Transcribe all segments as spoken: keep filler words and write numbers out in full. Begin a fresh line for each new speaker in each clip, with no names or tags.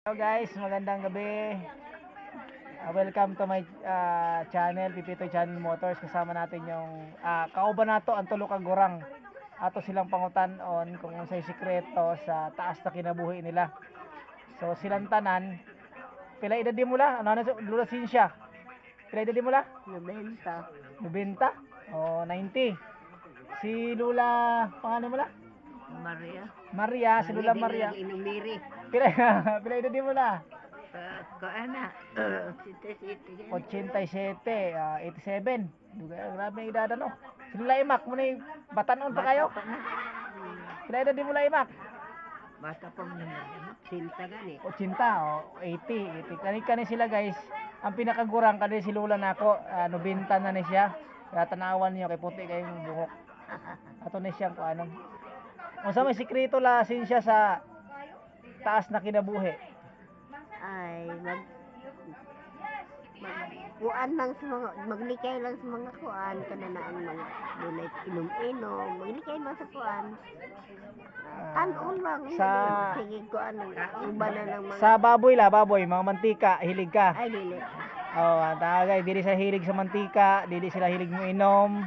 Hello guys, magandang gabi. Uh, welcome to my uh, channel, Pipitoy Channel Motors. Kasama natin yung uh, kauban nato ang tulo ka gurang. Ato silang pangutan-on kung unsay sikreto sa taas na kinabuhi nila. So silang tanan, pila edad di mula? Ano na Lula Sinsya? Pila edad di mula?
Nabenta.
ninety? O ninety. Si Lula, pangalan mo la?
Maria.
Maria, si Lula Maria.
Inumiri.
Pila pila edad di mula?
Ko ana. Sita sita.
eighty-seven, ah, eighty-seven. Duga, grabe ang edad no. Sila imak mo ni batanon pa kayo. Sila edad di mo la imak.
Basta pa mo naman. Sinta gani.
eighty o eighty, eighty. Kani kani sila guys. Ang pinakagurang kani si Lula nako, uh, ninety na ni siya. Kaya tanawan niyo kay puti kayong buhok. Ato ni siya ko anong. Unsa may sikreto la siya sa taas na kinabuhi?
Ay, mag mag kuan lang sa mga maglikay lang sa mga kuan kana na ang mga dunay inom-inom, maglikay lang sa kuan. Tanon lang.
Sa-
sige kuan uban na ng mga
Sa baboy la, baboy, mga mantika, hilig ka.
ay dili.
Oh, ang tagay, dili sa hilig sa mantika, dili sila hilig mo inom.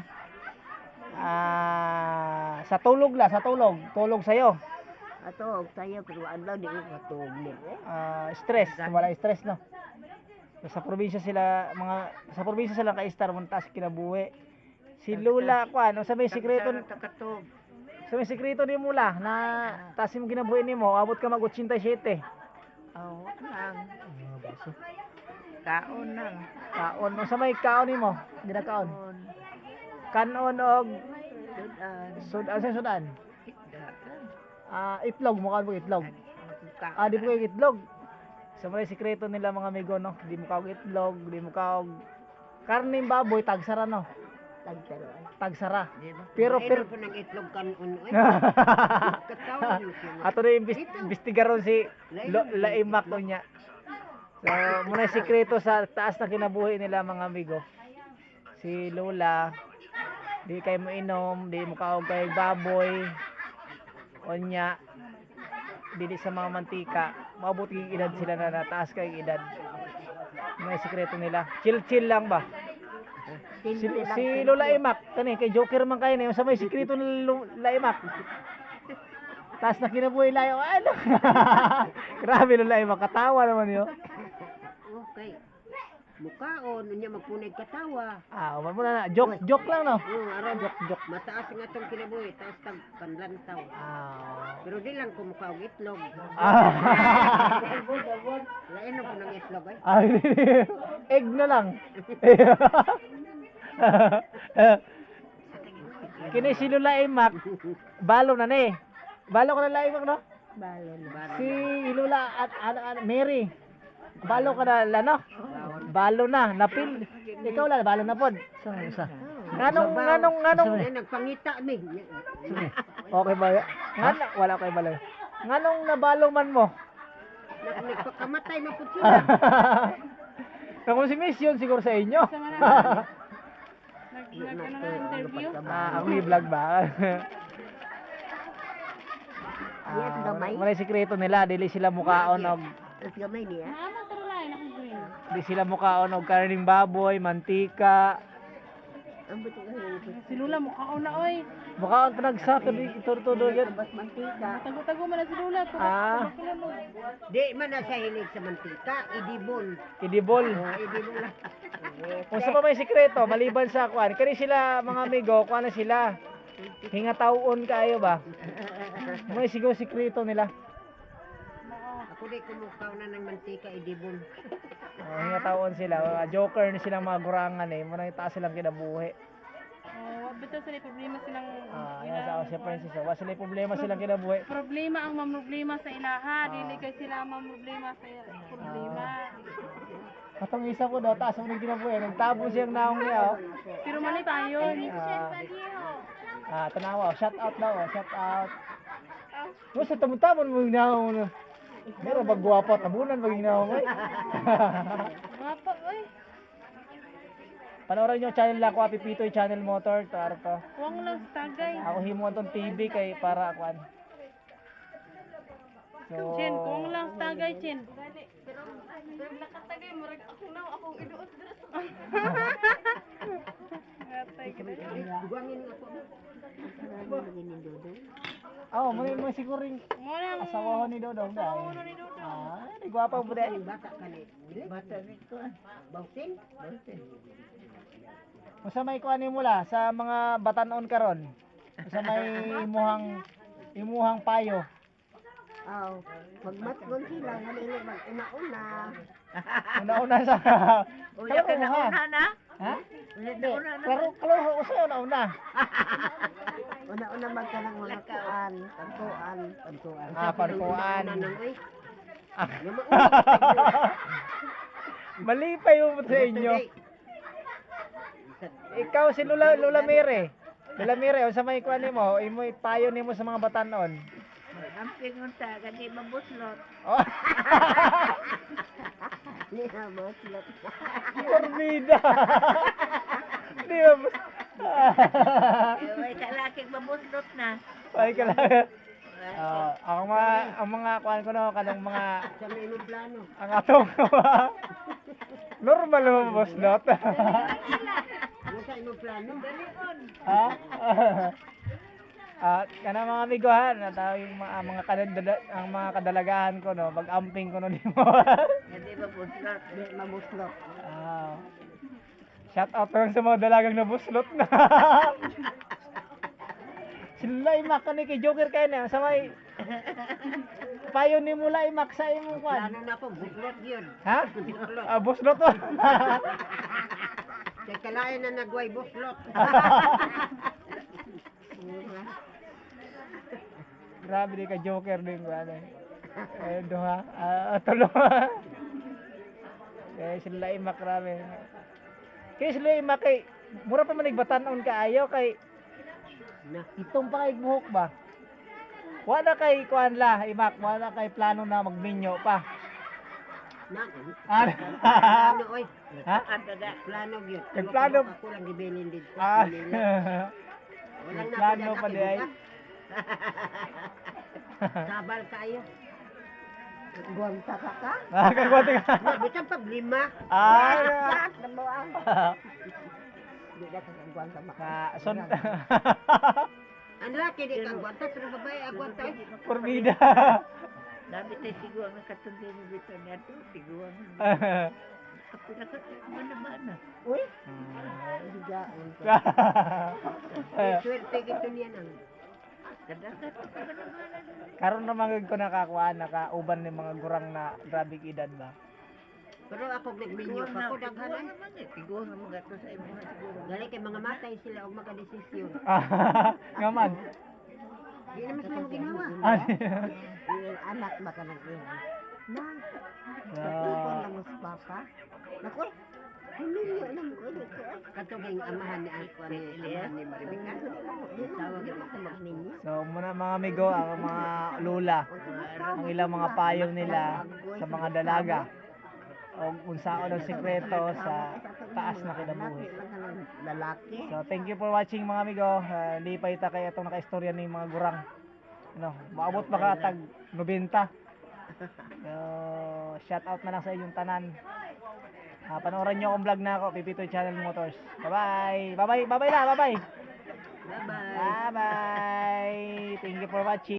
Ah, sa tulog la, sa tulog, tulog sayo.
Ato og sayo pero adlaw di ko katog ni.
Ah, stress, wala stress no. Sa probinsya sila, mga sa probinsya sila kay star man taas kinabuhi. Si Lula ko ano, sa may sikreto,
Takatog.
sa may sikreto ni Mula na taas mo kinabuhi nimo, abot ka mag eighty-seven.
Oh, lang. Kaon lang.
Kaon mo sa may kaon nimo, dira kaon.
Kaon.
Kanon og
Dudan.
sudan sa sudan.
Dudan.
Ah, itlog mo kaon mo itlog.
Kaon.
Ah, di mo kayo itlog. Sa mga sikreto nila mga amigo no, di mo kaog itlog, di mo kaog karning baboy tagsara no.
Tagtaro.
Tagsara.
Di ba?
Pero-
Pero
pero-
po ng itlog kan uno eh. Katawan mo siya.
Ato na imbis- imbestigaron si Lo- Laimak ko niya. So, muna yung sikreto sa taas na kinabuhi nila mga amigo. Si Lola, di kayo mo inom, di mo kaog kay baboy. Onya, dili sa mga mantika. Mabuti yung edad sila na nataas kay edad. May sikreto nila. Chill-chill lang ba? Si,
Simple lang,
si
simple.
Lola Imak, kani kay Joker man kayo na sa may sikreto ni Lola Imak. Taas na kinabuhi layo. Ano? Grabe Lola Imak, katawa naman yun.
Okay. Mukaon, unya magpunay katawa.
Ah, uman muna na. Joke, joke lang no.
Oo, aron
Joke, joke.
mataas nga tong kinabuhi, taas tag panlantaw.
Ah.
Pero di lang ko mukaog itlog.
Ah.
Lain po ng itlog ay.
Ay, egg na lang. Kini si Lola Imak, balo na ni. Balo ka na Lola Imak no?
Balon. Balon.
Si Lola at ano ano Mary. Balo ka na la no? Balo na, napil. Ikaw la balo na pod. Sa sa. Nganong nganong nganong
Ay, nagpangita mi.
okay ba? Ngan wala kay balo. Nganong nabalo man mo?
Nag- Nagpakamatay na po sila.
Kung si Miss yun siguro sa inyo.
Nag-interview?
Ah, ang vlog ba?
Yes, gamay.
Wala sikreto nila, dili sila mukaon og
Tapos gamay niya.
di sila mukaon og karning baboy, mantika.
Ang buti ka rin.
Si Lula mukhaon na oy.
Mukaon pa nagsaka di turtudo yan.
Bas mantika.
Tago-tago man na si Lula.
Ah,
Di man na sa hilig sa mantika, idibol.
idibol.
Oh, idibol lang.
Kung sa pa may sikreto, maliban sa kuan, kani sila mga amigo, kuan na sila. Hingatawon kayo ba? May siguro sikreto nila.
Ako di kumukaw na ng mantika, idibol.
Oh, hingatawon sila. Mga joker ni silang mga gurangan eh. Muna yung taas silang kinabuhi.
Oh, bitaw sa problema silang
Ah, yan sa si Princess. Wala sila problema silang kinabuhi.
problema ang mamroblema sa ilaha, dili kay sila ang mamroblema sa problema.
Katong isa ko daw, taas mo ng kinabuhi. Nagtabo siyang naong niya. Oh.
Pero mali pa yun.
Ah, ah, tanawa. Shout out daw. Oh. Shout out. Mo sa tamutamon mo yung naong. Meron bang guwapo? Tabunan maging naong. Eh.
Mapa oy.
Panoorin nyo channel lang ko, Pipitoy Channel Motor. To, ano to.
Wang lang sa tagay.
Ako himuan tong T V kay para kuan. So,
Chin, kung lang tagay, Chin. Pero, pero nakatagay, marag ako na, ako iduot dres. Natay ka na.
Buwangin ako. Marami lagi ni Dodong.
oh, mo mo siguro ring
Muna ang
asawa ko ni Dodong dai.
uno ni Dodong.
Ah, di gwapa mo dai.
Bata ka ni. Bata ni ko. Bautin? Bautin.
Usa may kuan ni mula sa mga batanon karon. Usa may imuhang imuhang payo.
Aw, magmatgon sila nga nila mag una-una.
Una-una sa
Una ka na una na.
Ha?
Ulit na una na.
Klaro klaro ko sa una-una.
Una-una mag ka ng mga kuan, pagkuan, pagkuan.
Ah, pagkuan. Ah. Mali pa yung sa inyo. Ikaw si Lula Lula Mire. Lula Mire, unsa may kuan nimo? Imo payo nimo sa mga batanon.
Amping unta kani mabuslot.
Oh.
Ni mabuslot.
Formida. Di ba?
Ay kalaki mabuslot na.
Ay kala. Ah, ang mga ang mga kuan ko no kanang mga
Sa may plano.
ang atong normal mo boss lot.
Ano sa imong plano?
Ha? At kana mga amigo ha, nataw yung mga, mga kadala, ang mga kadalagahan ko no, mag-amping ko no nimo.
Hindi mabuslot. Di mabuslot.
Ah. Shout out lang sa mga dalagang nabuslot na. Sila imak ni kay Joker kay na sa may payo ni mula imak sa imong kwan.
Plano na po buslot yun.
Ha? Ah, buslot to.
Kay kalain na nagway buslot.
Grabe di ka Joker din ko ano. Eh duha, ah tulo. Eh sila imak grabe. Kay sila imak kay mura pa man nagbatanon ka ayaw kay
Na.
itong pa kay buhok ba? Wala kay kuan la imak, wala kay plano na magminyo pa.
Na.
Ah.
Plano oy.
Ha?
Ada plano gyud.
Kay plano-
Ako lang gibilin dito.
Ah.
Walang
Plano pa di ay.
Sabal kayo. Gwanta ka ka?
Ah, kagwati ka.
Bisan pag lima.
Ah.
Lahat na mo ang. Di ka kang gwanta
Ka
maka.
son.
Ang laki di ka gwanta pero babae ang gwanta.
Formida.
Dami tayo siguro ang katundi ni dito niya to. Siguro. Ako na ka. Mana-mana. Uy. Higa. Swerte kito niya nang. Kadakat.
Karon naman ko nakakuan nakauban ni mga gurang na grabe edad ba.
Pero ako nagminyo pa ko daghanan. Siguro mga to sa imo siguro. Gali kay mga matay sila og makadesisyon.
Ngaman.
Di naman sila mo ginawa.
Ah.
Yung anak baka nag-iwan. Nang,
So,
katupon lang mo sa papa. Naku, huminyo lang mo ulit ko. Katuging amahan ni Alco ni Elias ni Maribika. Tawag yun ako magninyo.
so muna mga amigo ang mga lula, ang ilang mga payong nila sa mga dalaga o unsaon ang sikreto sa taas na kinabuhi.
Lalaki.
So thank you for watching mga amigo. Uh, hindi pa ita kay atong nakaistorya ni mga gurang. Ano, maabot baka tag nobenta. So shout out na lang sa inyong tanan. Ah, panoorin niyo akong vlog na ako, Pipitoy Channel Motors. Bye-bye. Bye-bye. Bye-bye na. Bye-bye.
Bye-bye.
Bye-bye. Thank you for watching.